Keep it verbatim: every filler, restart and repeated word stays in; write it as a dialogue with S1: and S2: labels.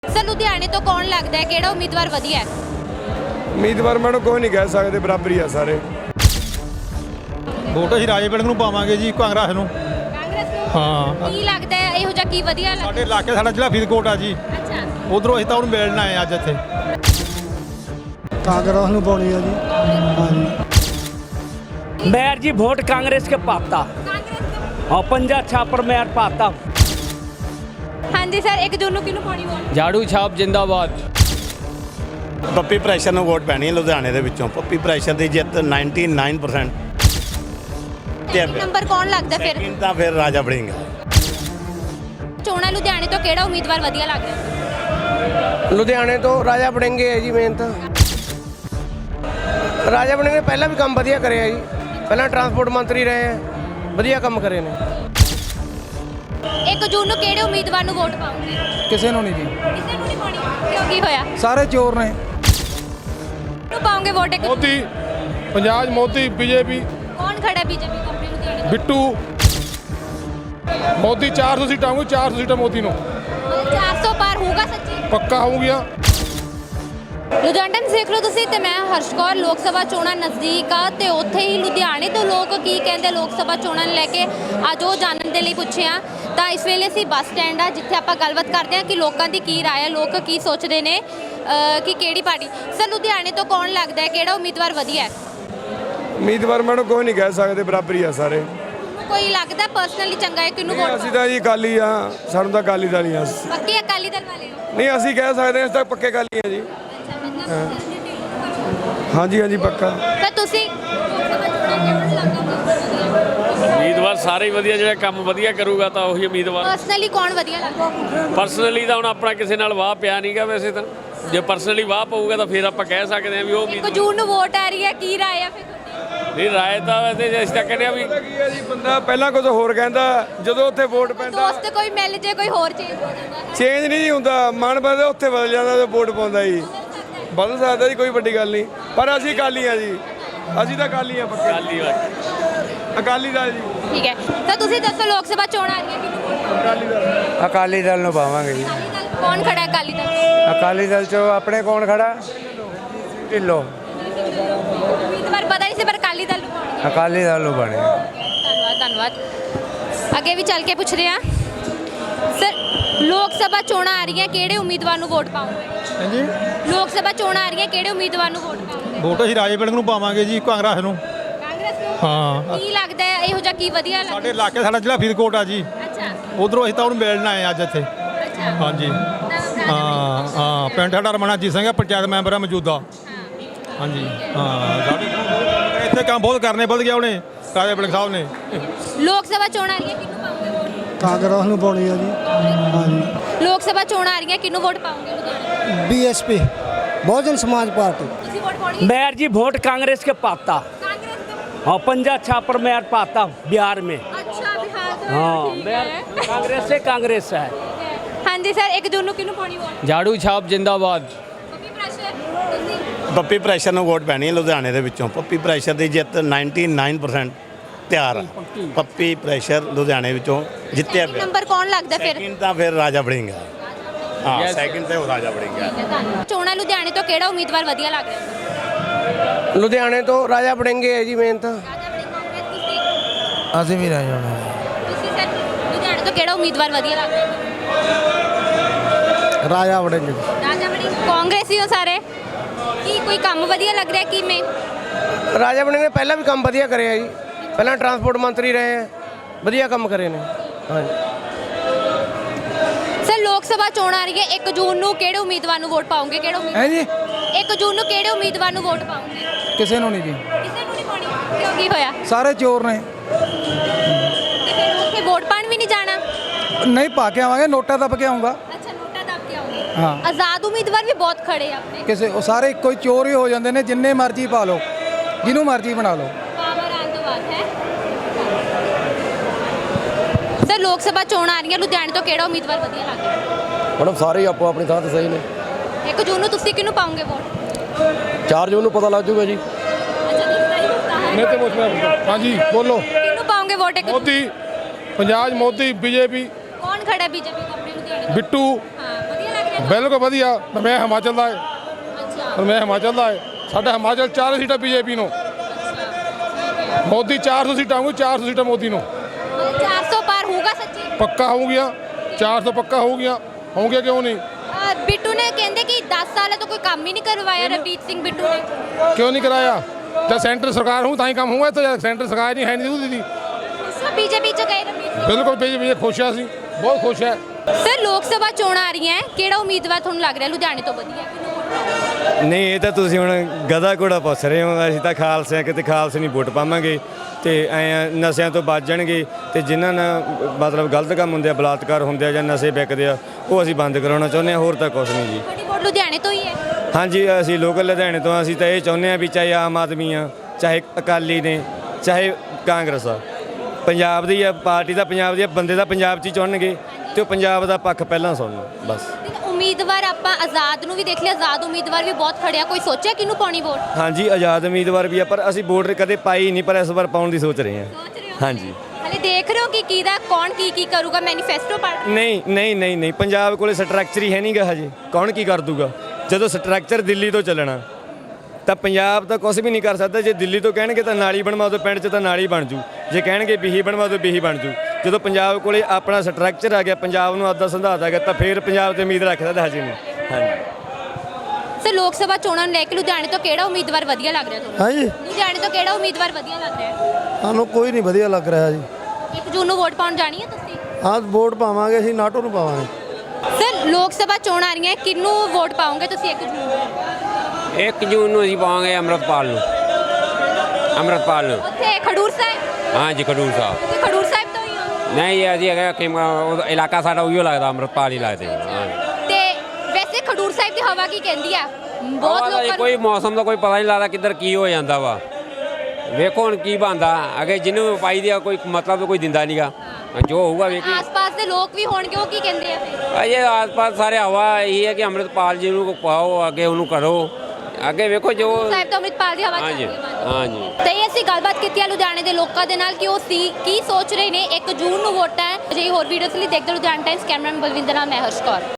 S1: Sir लुधियाने तो कौन लगता है केड़ा उम्मीदवार वधिया है?
S2: उम्मीदवार मैडम कोई नहीं कह सकते, बराबर ही आ सारे।
S3: ਵੋਟ ਅਸੀਂ ਰਾਜੇ ਪਿੰਡ ਨੂੰ ਪਾਵਾਂਗੇ ਜੀ, ਕਾਂਗਰਸ ਨੂੰ।
S1: कांग्रेस को
S3: ਹਾਂ
S1: की लगता है ਇਹੋ ਜਿਹਾ ਕੀ ਵਧੀਆ ਲੱਗਦਾ?
S3: ਸਾਡੇ ਇਲਾਕੇ ਸਾਡਾ ਜ਼ਿਲ੍ਹਾ ਫਰੀਦਕੋਟ ਆ ਜੀ,
S1: ਅੱਛਾ
S3: ਉਧਰੋਂ ਅਸੀਂ ਤਾਂ ਉਹਨੂੰ ਮਿਲਣ ਆਏ ਅੱਜ ਇੱਥੇ।
S4: कांग्रेस ਨੂੰ ਪਾਉਣੀ ਆ ਜੀ। ਹਾਂਜੀ
S5: मैर जी वोट कांग्रेस के पाता
S1: ਕਾਂਗਰਸ को
S5: और पंजा छापर मैर पाता।
S1: ਹਾਂਜੀ ਸਰ ਇੱਕ ਜੂਨ ਨੂੰ ਕਿਹਨੂੰ ਪਾਣੀ ਵੋਟ?
S5: झाड़ू छाप जिंदाबाद।
S6: ਪੱਪੀ ਪ੍ਰੈਸ਼ਰ ਨੂੰ ਵੋਟ ਪੈਣੀ ਹੈ ਲੁਧਿਆਣੇ ਦੇ ਵਿੱਚੋਂ। ਪੱਪੀ ਪ੍ਰੈਸ਼ਰ ਦੀ ਜਿੱਤ ਨਿਨਆਨਵੇ ਪਰਸੈਂਟ ਤੇ
S1: ਨੰਬਰ ਕੌਣ ਲੱਗਦਾ ਫਿਰ?
S6: ਸੈਕਿੰਡ ਤਾਂ ਫਿਰ ਰਾਜਾ ਵੜਿੰਗ ਹੈ।
S1: ਚੋਣਾਂ ਲੁਧਿਆਣੇ ਤੋਂ ਕਿਹੜਾ ਉਮੀਦਵਾਰ ਵਧੀਆ ਲੱਗਦਾ?
S7: ਲੁਧਿਆਣੇ ਤੋਂ ਰਾਜਾ ਵੜਿੰਗ ਹੈ ਜੀ। ਮੇਨ ਤਾਂ ਰਾਜਾ ਵੜਿੰਗ ਨੇ ਪਹਿਲਾਂ ਵੀ ਕੰਮ ਵਧੀਆ ਕਰਿਆ ਜੀ, ਪਹਿਲਾਂ ਟਰਾਂਸਪੋਰਟ ਮੰਤਰੀ ਰਹੇ ਹੈ, ਵਧੀਆ ਕੰਮ ਕਰੇ ਨੇ।
S1: ਇੱਕ ਜੂਨ ਨੂੰ ਕਿਹੜੇ ਉਮੀਦਵਾਰ ਨੂੰ ਵੋਟ ਪਾਉਂਗੇ?
S4: ਕਿਸੇ ਨੂੰ ਨਹੀਂ ਜੀ,
S1: ਕਿਸੇ ਨੂੰ ਨਹੀਂ ਪਾਣੀ? ਕਿਉਂ ਕੀ ਹੋਇਆ?
S4: ਸਾਰੇ ਚੋਰ ਨੇ।
S1: ਨੂੰ ਪਾਉਂਗੇ ਵੋਟ ਇੱਕ?
S8: ਮੋਦੀ ਪੰਜਾਬ 'ਚ ਮੋਦੀ ਬੀਜੇਪੀ
S1: ਕੌਣ ਖੜਾ ਬੀਜੇਪੀ ਕੰਪਨੀ ਲੁਧਿਆਣੇ ਤੋਂ?
S8: ਬਿੱਟੂ ਮੋਦੀ ਚਾਰ ਸੌ ਸੀਟਾਂ ਹੋਊਗੀ, ਚਾਰ ਸੌ ਸੀਟਾਂ ਮੋਦੀ ਨੂੰ
S1: ਚਾਰ ਸੌ ਪਾਰ ਹੋਊਗਾ ਸੱਚੀ?
S8: ਪੱਕਾ ਹੋਊਗੀਆਂ।
S1: ਲੁਧਿਆਣਾ ਦੇਖ ਲਓ ਤੁਸੀਂ ਤੇ ਮੈਂ ਹਰਸ਼ ਕੌਰ। ਲੋਕ ਸਭਾ ਚੋਣਾਂ ਨਜ਼ਦੀਕ ਆ ਤੇ ਉੱਥੇ ਹੀ ਲੁਧਿਆਣੇ ਤੋਂ ਲੋਕ ਕੀ ਕਹਿੰਦੇ ਲੋਕ ਸਭਾ ਚੋਣਾਂ ਨੂੰ ਲੈ ਕੇ ਅੱਜ ਉਹ ਜਾਣਨ ਦੇ ਲਈ ਪੁੱਛੇ ਆ। ਤਾਂ ਇਸ ਵੇਲੇ ਅਸੀਂ ਬੱਸ ਸਟੈਂਡ ਆ ਜਿੱਥੇ ਆਪਾਂ ਗੱਲਬਾਤ ਕਰਦੇ ਆ ਕਿ ਲੋਕਾਂ ਦੀ ਕੀ ਰਾਏ ਹੈ, ਲੋਕ ਕੀ ਸੋਚਦੇ ਨੇ ਅਹ ਕਿ ਕਿਹੜੀ ਪਾਰਟੀ। ਸਰ ਲੁਧਿਆਣੇ ਤੋਂ ਕੌਣ ਲੱਗਦਾ ਹੈ ਕਿਹੜਾ ਉਮੀਦਵਾਰ ਵਧੀਆ ਹੈ?
S2: ਉਮੀਦਵਾਰ ਮੈਡਮ ਕੋਈ ਨਹੀਂ ਕਹਿ ਸਕਦੇ, ਬਰਾਬਰ ਹੀ ਆ ਸਾਰੇ।
S1: ਤੁਹਾਨੂੰ ਕੋਈ ਲੱਗਦਾ ਪਰਸਨਲੀ ਚੰਗਾ ਹੈ ਕਿਹਨੂੰ
S2: ਨਹੀਂ,
S1: ਵੋਟ
S2: ਅਸੀਂ ਤਾਂ ਜੀ ਅਕਾਲੀ ਆ, ਸਾਨੂੰ ਤਾਂ ਅਕਾਲੀ ਦਲ ਹੀ ਆ।
S1: ਪੱਕੇ ਅਕਾਲੀ ਦਲ ਵਾਲੇ ਹੋ?
S2: ਨਹੀਂ ਅਸੀਂ ਕਹਿ ਸਕਦੇ ਹਾਂ, ਅਸੀਂ ਤਾਂ ਪੱਕੇ ਅਕਾਲੀ ਆ ਜੀ। ਹਾਂਜੀ ਹਾਂਜੀ ਪੱਕਾ।
S1: ਤਾਂ ਤੁਸੀਂ ਲੋਕ ਸਭਾ ਚੋਣਾਂ ਕਿਹਨੂੰ ਲੱਗਦਾ?
S9: ਉਮੀਦਵਾਰ ਸਾਰੇ ਹੀ ਵਧੀਆ, ਜਿਹੜਾ ਕੰਮ ਵਧੀਆ ਕਰੂਗਾ ਤਾਂ ਉਹੀ ਉਮੀਦਵਾਰ।
S1: ਪਰਸਨਲੀ ਕੌਣ ਵਧੀਆ ਲੱਗਦਾ?
S9: ਪਰਸਨਲੀ ਤਾਂ ਹੁਣ ਆਪਣਾ ਕਿਸੇ ਨਾਲ ਵਾਹ ਪਿਆ ਨਹੀਂਗਾ। ਵੈਸੇ ਤਾਂ ਜੇ ਪਰਸਨਲੀ ਵਾਹ ਪਊਗਾ ਤਾਂ ਫਿਰ ਆਪਾਂ ਕਹਿ ਸਕਦੇ ਹਾਂ ਵੀ ਉਹ
S1: ਇੱਕ
S9: ਉਮੀਦਵਾਰ।
S1: ਜੂਨ ਨੂੰ ਵੋਟ ਆ ਰਹੀ ਹੈ, ਕੀ ਰਾਏ ਆ ਫਿਰ ਤੁਹਾਡੀ?
S9: ਨਹੀਂ ਰਾਏ ਤਾਂ ਵੈਸੇ ਜੇ ਅਸੀਂ ਤਾਂ ਕਹਿੰਦੇ ਆ ਵੀ
S2: ਪਤਾ ਕੀ ਹੈ ਜੀ, ਬੰਦਾ ਪਹਿਲਾਂ ਕੁਝ ਹੋਰ ਕਹਿੰਦਾ, ਜਦੋਂ ਉੱਥੇ ਵੋਟ ਪੈਂਦਾ
S1: ਦੋਸਤ ਕੋਈ ਮਿਲ ਜੇ ਕੋਈ ਹੋਰ ਚੇਂਜ ਹੋ ਜਾਂਦਾ?
S2: ਚੇਂਜ ਨਹੀਂ ਜੀ ਹੁੰਦਾ। ਮਨ ਬਦਲਦਾ ਉੱਥੇ ਬਦਲ ਜਾਂਦਾ ਤੇ ਵੋਟ ਪਾਉਂਦਾ ਜੀ। ਬਦਲ ਸਕਦਾ ਜੀ, ਕੋਈ ਵੱਡੀ ਗੱਲ ਨਹੀਂ। ਪਰ ਅਸੀਂ ਅਕਾਲੀ ਆ ਜੀ, ਅਸੀਂ ਤਾਂ ਅਕਾਲੀ ਆ ਪੱਕੇ।
S9: ਅਕਾਲੀ ਵਾਲੀ
S2: ਅਕਾਲੀ ਦਲ ਜੀ।
S1: ਠੀਕ ਹੈ ਤਾਂ ਤੁਸੀਂ ਦੱਸੋ ਲੋਕ ਸਭਾ ਚੋਣਾਂ ਆ ਰਹੀਆਂ ਕਿਹਨੂੰ ਵੋਟ ਪਾਓਗੇ?
S7: ਅਕਾਲੀ ਦਲ ਨੂੰ ਪਾਵਾਂਗੇ ਜੀ।
S1: ਅਕਾਲੀ ਦਲ ਕੌਣ ਖੜਾ ਹੈ ਅਕਾਲੀ ਦਲ?
S7: ਅਕਾਲੀ ਦਲ ਚੋਂ ਆਪਣੇ ਕੌਣ ਖੜਾ? ਢਿੱਲੋਂ।
S1: ਉਮੀਦਵਾਰ ਪਤਾ ਨਹੀਂ ਸੀ ਪਰ ਅਕਾਲੀ ਦਲ ਨੂੰ ਪਾਉਣਗੇ।
S7: ਅਕਾਲੀ ਦਲ ਨੂੰ ਬਣੇ।
S1: ਧੰਨਵਾਦ ਧੰਨਵਾਦ। ਅੱਗੇ ਵੀ ਚੱਲ ਕੇ ਪੁੱਛਦੇ ਆ ਸਰ ਲੋਕ ਸਭਾ ਚੋਣਾਂ ਆ ਰਹੀਆਂ ਕਿਹੜੇ ਉਮੀਦਵਾਰ ਨੂੰ ਵੋਟ ਪਾਓਗੇ?
S3: ਹਾਂਜੀ
S1: ਲੋਕ ਸਭਾ ਚੋਣਾਂ ਆ ਰਹੀਆਂ ਕਿਹੜੇ ਉਮੀਦਵਾਰ ਨੂੰ ਵੋਟ ਪਾਓਗੇ?
S3: ਵੋਟ ਅਸੀਂ ਰਾਜੇ ਪਿੰਡ ਨੂੰ ਪਾਵਾਂਗੇ ਜੀ, ਕਾਂਗਰਸ ਨੂੰ।
S1: ਕਾਂਗਰਸ ਨੂੰ
S3: ਹਾਂ
S1: ਕੀ ਲੱਗਦਾ ਹੈ ਇਹੋ ਜਿਹਾ ਕੀ ਵਧੀਆ ਲੱਗਦਾ?
S3: ਸਾਡੇ ਇਲਾਕੇ ਸਾਡਾ ਜ਼ਿਲ੍ਹਾ ਫਰੀਦਕੋਟ ਆ ਜੀ,
S1: ਅੱਛਾ
S3: ਉਧਰੋਂ ਅਸੀਂ ਤਾਂ ਉਹਨੂੰ ਮਿਲਣ ਆਏ ਅੱਜ ਇੱਥੇ।
S1: ਅੱਛਾ
S3: ਹਾਂਜੀ
S1: ਤਾਂ-
S3: ਹਾਂ ਹਾਂ ਪਿੰਡ ਸਾਡਾ ਰਮਣਾਜੀਤ ਸਿੰਘ ਆ, ਪੰਚਾਇਤ ਮੈਂਬਰ ਆ ਮੌਜੂਦਾ। ਹਾਂਜੀ ਹਾਂ ਸਾਡੇ ਇੱਥੇ ਕੰਮ ਬਹੁਤ ਕਰਨੇ ਵੱਧ ਗਿਆ ਉਹਨੇ ਰਾਜੇ ਪਿੰਡ ਸਾਹਿਬ ਨੇ।
S1: ਲੋਕ ਸਭਾ ਚੋਣਾਂ ਆ ਰਹੀਆਂ ਕਿਹਨੂੰ ਪਾਓਗੇ ਵੋਟ?
S4: ਕਾਂਗਰਸ ਨੂੰ ਪਾਉਣੀ ਆ ਜੀ। ਹਾਂਜੀ
S1: ਲੋਕ ਸਭਾ ਚੋਣਾਂ ਆ ਰਹੀਆਂ ਕਿਹਨੂੰ ਵੋਟ ਪਾਓਗੇ ਲੁਧਿਆਣੇ?
S4: ਬੀਐਸਪੀ ਬਹੁਜਨ ਸਮਾਜ ਪਾਰਟੀ।
S1: ਤੁਸੀਂ ਵੋਟ ਪਾਉਣੀ?
S5: मैर जी वोट कांग्रेस के पाता
S1: ਕਾਂਗਰਸ ਤੋਂ?
S5: और पंजा छापर मैर पाता बिहार में।
S1: ਅੱਛਾ ਬਿਹਾਰ ਤੋਂ।
S5: हाँ
S1: ਠੀਕ
S5: मैर
S1: ਹੈ।
S5: कांग्रेस से कांग्रेस है।
S1: ਹਾਂਜੀ ਸਰ ਇੱਕ ਜੂਨ ਨੂੰ ਕਿਹਨੂੰ ਪਾਉਣੀ ਵੋਟ?
S5: झाड़ू छाप जिंदाबाद।
S1: ਪੱਪੀ ਪ੍ਰੈਸ਼ਰ ਤੁਸੀਂ
S6: ਪੱਪੀ ਪ੍ਰੈਸ਼ਰ ਨੂੰ ਵੋਟ ਪੈਣੀ ਹੈ ਲੁਧਿਆਣੇ ਦੇ ਵਿੱਚੋਂ। ਪੱਪੀ ਪ੍ਰੈਸ਼ਰ ਦੀ ਜਿੱਤ ਨਿਨਆਨਵੇ ਪਰਸੈਂਟ ਤਿਆਰ ਆ। ਪੱਪੀ ਪ੍ਰੈਸ਼ਰ ਲੁਧਿਆਣੇ ਵਿੱਚੋਂ ਜਿੱਤਿਆ ਪਿਆ।
S1: ਨੰਬਰ ਕੌਣ ਲੱਗਦਾ ਫਿਰ?
S6: ਸੈਕਿੰਡ ਤਾਂ ਫਿਰ ਰਾਜਾ ਵੜਿੰਗ ਹੈ। ਹਾਂ ਸੈਕਿੰਡ ਤੇ ਉਹ ਰਾਜਾ ਵੜਿੰਗ ਹੈ।
S1: ਚੋਣਾਂ ਲੁਧਿਆਣੇ ਤੋਂ ਕਿਹੜਾ ਉਮੀਦਵਾਰ ਵਧੀਆ ਲੱਗ ਰਿਹਾ?
S7: ਲੁਧਿਆਣੇ ਤੋਂ ਰਾਜਾ ਵੜਿੰਗ ਹੈ ਜੀ। ਮੇਨ ਤਾਂ ਅਸੀਂ ਵੀ ਰਾਜਾ
S1: ਤੁਸੀਂ ਸਰ ਲੁਧਿਆਣੇ ਤੋਂ ਕਿਹੜਾ ਉਮੀਦਵਾਰ ਵਧੀਆ ਲੱਗ ਰਿਹਾ?
S7: ਰਾਜਾ ਵੜਿੰਗ।
S1: ਰਾਜਾ ਬੜੀ ਕਾਂਗਰਸੀ ਹੋ ਸਾਰੇ? ਕੀ ਕੋਈ ਕੰਮ ਵਧੀਆ ਲੱਗ ਰਿਹਾ ਕਿਵੇਂ?
S7: ਰਾਜਾ ਵੜਿੰਗ ਨੇ ਪਹਿਲਾਂ ਵੀ ਕੰਮ ਵਧੀਆ ਕਰਿਆ ਜੀ, ਪਹਿਲਾਂ ਟਰਾਂਸਪੋਰਟ ਮੰਤਰੀ ਰਹੇ ਹੈ, ਵਧੀਆ ਕੰਮ ਕਰੇ ਨੇ। ਹਾਂਜੀ
S1: ਸਰ ਲੋਕ ਸਭਾ ਚੋਣਾਂ ਆ ਰਹੀਆਂ ਇੱਕ ਜੂਨ ਨੂੰ ਕਿਹੜੇ ਉਮੀਦਵਾਰ ਨੂੰ ਵੋਟ ਪਾਉਂਗੇ? ਕਿਹੜਾ ਉਮੀਦਵਾਰ?
S4: ਹੈ ਜੀ,
S1: ਇੱਕ ਜੂਨ ਨੂੰ ਕਿਹੜੇ ਉਮੀਦਵਾਰ ਨੂੰ ਵੋਟ ਪਾਉਂਗੇ?
S4: ਕਿਸੇ ਨੂੰ ਨਹੀਂ ਜੀ,
S1: ਕਿਸੇ ਨੂੰ ਨਹੀਂ ਪਾਉਣੀ? ਕਿਉਂ ਕੀ ਹੋਇਆ?
S4: ਸਾਰੇ ਚੋਰ ਨੇ।
S1: ਤੇ ਫਿਰ ਉੱਥੇ ਵੋਟ ਪਾਣ ਵੀ ਨਹੀਂ ਜਾਣਾ?
S4: ਨਹੀਂ ਪਾ ਕੇ ਆਵਾਂਗੇ, ਨੋਟਾ ਦੱਬ ਕੇ ਆਉਂਗਾ।
S1: ਅੱਛਾ ਨੋਟਾ ਦੱਬ ਕੇ ਆਉਂਗੇ।
S4: ਹਾਂ।
S1: ਆਜ਼ਾਦ ਉਮੀਦਵਾਰ ਵੀ ਬਹੁਤ ਖੜੇ ਆ ਆਪਣੇ।
S4: ਕਿਸੇ ਉਹ ਸਾਰੇ ਇੱਕੋ ਹੀ ਚੋਰ ਹੀ ਹੋ ਜਾਂਦੇ ਨੇ, ਜਿੰਨੇ ਮਰਜ਼ੀ ਪਾ ਲਓ, ਜਿਹਨੂੰ ਮਰਜ਼ੀ ਬਣਾ ਲਓ।
S1: ਪਾਵਰ ਆਉਣ ਤੋਂ ਬਾਅਦ ਹੈ ਸਰ ਲੋਕ ਸਭਾ ਚੋਣਾਂ ਆ ਰਹੀਆਂ ਲੁਧਿਆਣੇ ਤੋਂ ਕਿਹੜਾ ਉਮੀਦਵਾਰ ਵਧੀਆ ਲੱਗ ਰਿਹਾ?
S10: ਮੈਡਮ ਸਾਰੇ ਆਪੋ ਆਪਣੀ ਥਾਂ ਤੇ ਸਹੀ ਨੇ।
S1: ਇੱਕ ਜੂਨ ਨੂੰ ਤੁਸੀਂ ਕਿਹਨੂੰ ਪਾਉਂਗੇ ਵੋਟ?
S10: ਚਾਰ ਜੂਨ ਨੂੰ ਪਤਾ ਲੱਗ ਜੂਗਾ ਜੀ।
S1: ਅੱਛਾ ਤੁਸੀਂ ਸਹੀ ਪਤਾ ਹੈ
S8: ਨਹੀਂ ਤੇ ਮੁਸਲਿਮ ਹਾਂਜੀ ਬੋਲੋ।
S1: ਕਿਹਨੂੰ ਪਾਉਂਗੇ ਵੋਟ? ਇੱਕ
S8: ਮੋਦੀ ਪੰਜਾਬ 'ਚ ਮੋਦੀ ਬੀਜੇਪੀ
S1: ਕੌਣ ਖੜਾ ਬੀਜੇਪੀ ਕੰਪਨੀ ਲੁਧਿਆਣੇ ਤੋਂ?
S8: ਬਿੱਟੂ
S1: ਹਾਂ ਵਧੀਆ ਲੱਗ ਰਿਹਾ। ਤੁਹਾਨੂੰ?
S8: ਬਿਲਕੁਲ ਵਧੀਆ ਮੈਂ ਹਿਮਾਚਲ ਦਾ ਹੈ
S1: ਅੱਛਾ
S8: ਮੈਂ ਹਿਮਾਚਲ ਦਾ ਹੈ ਸਾਡਾ ਹਿਮਾਚਲ ਚਾਰ ਸੀਟਾਂ ਬੀਜੇਪੀ ਨੂੰ ਮੋਦੀ ਚਾਰ ਸੌ ਸੀਟਾਂ ਹੋਊਗੀ ਚਾਰ ਸੌ ਸੀਟਾਂ ਮੋਦੀ ਨੂੰ
S1: ਚਾਰ ਸੌ ਪਾਰ ਹੋਊਗਾ ਸੱਚੀ?
S8: ਪੱਕਾ ਹੋਊਗੀਆਂ ਚਾਰ ਸੌ ਪੱਕਾ ਹੋਊਗੀਆਂ ਹੋਊਗੇ ਕਿਉਂ ਨਹੀਂ
S1: ਅਹ ਬਿੱਟੂ ਨੇ ਕਹਿੰਦੇ ਕਿ ਦਸ ਸਾਲਾਂ ਤੋਂ ਕੋਈ ਕੰਮ ਹੀ ਨਹੀਂ ਕਰਵਾਇਆ ਰਵਨੀਤ ਸਿੰਘ ਬਿੱਟੂ ਨੇ।
S8: ਕਿਉਂ ਨਹੀਂ ਕਰਾਇਆ ਜਦ ਸੈਂਟਰ ਸਰਕਾਰ ਹੋਊ ਤਾਂ ਹੀ ਕੰਮ ਹੋਊਗਾ ਇੱਥੇ ਜਦ ਸੈਂਟਰ ਸਰਕਾਰ ਨਹੀਂ ਹੈ ਨਹੀਂ ਉਹਦੀ ਦੀ
S1: ਬੀਜੇਪੀ ਚ ਗਏ ਰਵਨੀਤ ਸਿੰਘ?
S8: ਬਿਲਕੁਲ ਬੀਜੇਪੀ ਖੁਸ਼ ਆ ਅਸੀਂ ਬਹੁਤ ਖੁਸ਼ ਹੈ
S1: ਸਰ ਲੋਕ ਸਭਾ ਚੋਣਾਂ ਆ ਰਹੀਆਂ ਹੈ, ਕਿਹੜਾ ਉਮੀਦਵਾਰ ਤੁਹਾਨੂੰ ਲੱਗ ਰਿਹਾ ਲੁਧਿਆਣੇ ਤੋਂ ਵਧੀਆ?
S2: ਨਹੀਂ ਇਹ ਤਾਂ ਤੁਸੀਂ ਹੁਣ ਗਧਾ ਘੋੜਾ ਪੁੱਛ ਰਹੇ ਹੋ। ਅਸੀਂ ਤਾਂ ਖਾਲਸੇ ਆ, ਕਿਤੇ ਖਾਲਸੇ ਨਹੀਂ ਵੋਟ ਪਾਵਾਂਗੇ ਤੇ ਐ ਨਸ਼ਿਆਂ ਤੋਂ ਬਚ ਜਾਣਗੇ ਤੇ ਜਿਨ੍ਹਾਂ ਨਾਲ ਮਤਲਬ ਗਲਤ ਕੰਮ ਹੁੰਦੇ ਆ, ਬਲਾਤਕਾਰ ਹੁੰਦੇ ਆ ਜਾਂ ਨਸ਼ੇ ਵਿਕਦੇ ਆ, ਉਹ ਅਸੀਂ ਬੰਦ ਕਰਾਉਣਾ ਚਾਹੁੰਦੇ ਹਾਂ, ਹੋਰ ਤਾਂ ਕੁਛ ਨਹੀਂ ਜੀ।
S1: ਤੁਹਾਡੀ ਵੋਟ ਲੁਧਿਆਣੇ ਤੋਂ ਹੀ ਹੈ?
S2: ਹਾਂਜੀ ਅਸੀਂ ਲੋਕਲ ਲੁਧਿਆਣੇ ਤੋਂ ਹਾਂ। ਅਸੀਂ ਤਾਂ ਇਹ ਚਾਹੁੰਦੇ ਹਾਂ ਵੀ ਚਾਹੇ ਆਮ ਆਦਮੀ ਆ, ਚਾਹੇ ਅਕਾਲੀ ਨੇ, ਚਾਹੇ ਕਾਂਗਰਸ ਆ, ਪੰਜਾਬ ਦੀ ਆ ਪਾਰਟੀ ਦਾ, ਪੰਜਾਬ ਦੀ ਆ, ਬੰਦੇ ਦਾ ਪੰਜਾਬ 'ਚ ਹੀ ਚੁਣਨਗੇ ਤੇ ਉਹ ਪੰਜਾਬ ਦਾ ਪੱਖ ਪਹਿਲਾਂ ਸੁਣਨ ਬਸ।
S1: ਉਮੀਦਵਾਰ ਆਪਾਂ ਆਜ਼ਾਦ ਨੂੰ ਵੀ ਦੇਖ ਲਿਆ, ਆਜ਼ਾਦ ਉਮੀਦਵਾਰ ਵੀ ਬਹੁਤ ਖੜਿਆ, ਕੋਈ ਸੋਚਿਆ ਕਿਹਨੂੰ ਪਾਉਣੀ ਵੋਟ?
S2: ਹਾਂਜੀ ਆਜ਼ਾਦ ਉਮੀਦਵਾਰ ਵੀ ਆ, ਪਰ ਅਸੀਂ ਵੋਟ ਕਦੇ ਪਾਈ ਨਹੀਂ, ਪਰ ਇਸ ਵਾਰ ਪਾਉਣ ਦੀ ਸੋਚ ਰਹੇ ਹਾਂ।
S1: ਸੋਚ ਰਹੇ ਹੋ?
S2: ਹਾਂਜੀ
S1: ਹਲੇ ਦੇਖ ਰਹੇ ਹੋ ਕਿ ਕਿਹਦਾ ਕੌਣ ਕੀ ਕੀ ਕਰੂਗਾ, ਮੈਨੀਫੈਸਟੋ ਪੜ੍ਹ?
S2: ਨਹੀਂ ਨਹੀਂ ਨਹੀਂ ਨਹੀਂ ਪੰਜਾਬ ਕੋਲੇ ਸਟਰਕਚਰ ਹੀ ਹੈ ਨਹੀਂਗਾ ਹਜੇ, ਕੌਣ ਕੀ ਕਰ ਦੂਗਾ? ਜਦੋਂ ਸਟਰਕਚਰ ਦਿੱਲੀ ਤੋਂ ਚੱਲਣਾ ਤਾਂ ਪੰਜਾਬ ਤਾਂ ਕੁਝ ਵੀ ਨਹੀਂ ਕਰ ਸਕਦਾ। ਜੇ ਦਿੱਲੀ ਤੋਂ ਕਹਿਣਗੇ ਤਾਂ ਨਾਲੀ ਬਣਵਾ ਦਿਓ ਪਿੰਡ 'ਚ ਤਾਂ ਨਾਲੀ ਬਣ ਜੂ, ਜੇ ਕਹਿਣਗੇ ਬੀਹੀ ਬਣਵਾ ਦਿਓ ਬੀਹੀ ਬਣ ਜੂ। ਜਦੋਂ ਪੰਜਾਬ ਕੋਲੇ ਆਪਣਾ ਸਟਰਕਚਰ ਆ ਗਿਆ, ਪੰਜਾਬ ਨੂੰ ਆਪਦਾ ਸੰਧਾਤਾ ਗਿਆ, ਤਾਂ ਫਿਰ ਪੰਜਾਬ ਤੇ ਉਮੀਦ ਰੱਖ ਸਕਦਾ ਹਜੇ ਨਹੀਂ। ਹਾਂਜੀ
S1: ਸਰ ਲੋਕ ਸਭਾ ਚੋਣਾਂ ਨੂੰ ਲੈ ਕੇ ਲੁਧਿਆਣੇ ਤੋਂ ਕਿਹੜਾ ਉਮੀਦਵਾਰ ਵਧੀਆ ਲੱਗ ਰਿਹਾ ਤੁਹਾਨੂੰ?
S10: ਹਾਂਜੀ
S1: ਲੁਧਿਆਣੇ ਤੋਂ ਕਿਹੜਾ ਉਮੀਦਵਾਰ ਵਧੀਆ ਲੱਗ ਰਿਹਾ?
S10: ਸਾਨੂੰ ਕੋਈ ਨਹੀਂ ਵਧੀਆ ਲੱਗ ਰਿਹਾ ਜੀ।
S1: ਇੱਕ ਜੂਨ ਨੂੰ ਵੋਟ ਪਾਉਣ ਜਾਣੀ ਹੈ ਤੁਸੀਂ?
S10: ਹਾਂ ਵੋਟ ਪਾਵਾਂਗੇ ਅਸੀਂ ਨਾਟੋ ਨੂੰ ਪਾਵਾਂਗੇ।
S1: ਸਰ ਲੋਕ ਸਭਾ ਚੋਣਾਂ ਆ ਰਹੀਆਂ, ਕਿਹਨੂੰ ਵੋਟ ਪਾਓਗੇ ਤੁਸੀਂ ਇੱਕ ਜੂਨ ਨੂੰ?
S5: ਇੱਕ ਜੂਨ ਨੂੰ ਅਸੀਂ ਪਾਵਾਂਗੇ ਅੰਮ੍ਰਿਤਪਾਲ ਨੂੰ ਅੰਮ੍ਰਿਤਪਾਲ ਨੂੰ
S1: ਉੱਥੇ ਖਡੂਰ ਸਾਹਿਬ?
S5: ਹਾਂ ਜੀ ਖਡੂਰ ਸਾਹਿਬ।
S1: ਤੁਸੀਂ ਖਡੂਰ ਸਾਹਿਬ ਤੋਂ ਹੀ ਹੋ?
S5: ਨਹੀਂ ਜੀ ਅਸੀਂ ਹੈਗਾ ਕਿ ਉਹ ਇਲਾਕਾ ਸਾਡਾ ਉਹੀਓ ਲੱਗਦਾ ਅੰਮ੍ਰਿਤਪਾਲ ਹੀ ਲੱਗਦੇ ਹਾਂ।
S1: ਤੇ ਵੈਸੇ ਖਡੂਰ ਸਾਹਿਬ ਦੀ ਹਵਾ ਕੀ ਕਹਿੰਦੀ ਆ? ਬਹੁਤ
S5: ਬਹੁਤ
S1: ਲੋਕਾਂ
S5: ਕੋਈ
S1: ਨੂੰ
S5: ਮੌਸਮ ਦਾ ਕੋਈ ਪਤਾ ਨਹੀਂ ਲੱਗਦਾ ਕਿੱਧਰ ਕੀ ਹੋ ਜਾਂਦਾ ਵਾ। ਵੇਖੋ ਹੁਣ ਕੀ ਬਣਦਾ ਅਗੇ ਜਿਹਨੂੰ ਪਾਈ ਦੀ ਕੋਈ ਮਤਲਬ ਕੋਈ ਦਿੰਦਾ ਨਹੀਂਗਾ, ਜੋ ਹੋਊਗਾ ਵੇਖੀ।
S1: ਆਸ-ਪਾਸ ਦੇ ਲੋਕ ਵੀ ਹੋਣਗੇ, ਉਹ ਕੀ ਕਹਿੰਦੇ ਆ ਫਿਰ?
S5: ਅਜੇ ਆਸ-ਪਾਸ ਸਾਰੇ ਹਵਾ ਇਹੀ ਹੈ ਕਿ ਅੰਮ੍ਰਿਤਪਾਲ ਜੀ ਨੂੰ ਪਾਓ, ਅੱਗੇ ਉਹਨੂੰ ਕਰੋ, ਅੱਗੇ ਵੇਖੋ ਜੋ
S1: ਸਾਹਿਬ ਤੋਂ ਅੰਮ੍ਰਿਤਪਾਲ ਦੀ ਹਵਾ ਚੱਲ
S5: ਹਾਂਜੀ
S1: ਰਹੀ ਹੈ।
S5: ਹਾਂਜੀ
S1: ਤੇ ਇਹ ਅਸੀਂ ਗੱਲਬਾਤ ਕੀਤੀ ਆ ਲੁਧਿਆਣੇ ਦੇ ਲੋਕਾਂ ਦੇ ਨਾਲ ਕਿ ਉਹ ਸੀ ਕੀ ਸੋਚ ਰਹੇ ਨੇ। ਇੱਕ ਜੂਨ ਨੂੰ ਵੋਟਾਂ ਹੈ। ਅਜਿਹੀ ਹੋਰ ਵੀਡੀਓਜ਼ ਲਈ ਦੇਖਦੇ ਰਹੋ ਲੁਧਿਆਣਾ ਟਾਈਮਸ। ਕੈਮਰਾਮੈਨ ਬਲਵਿੰਦਰ ਨਾਲ ਮੈਂ ਹਰਸ਼ ਕੌਰ।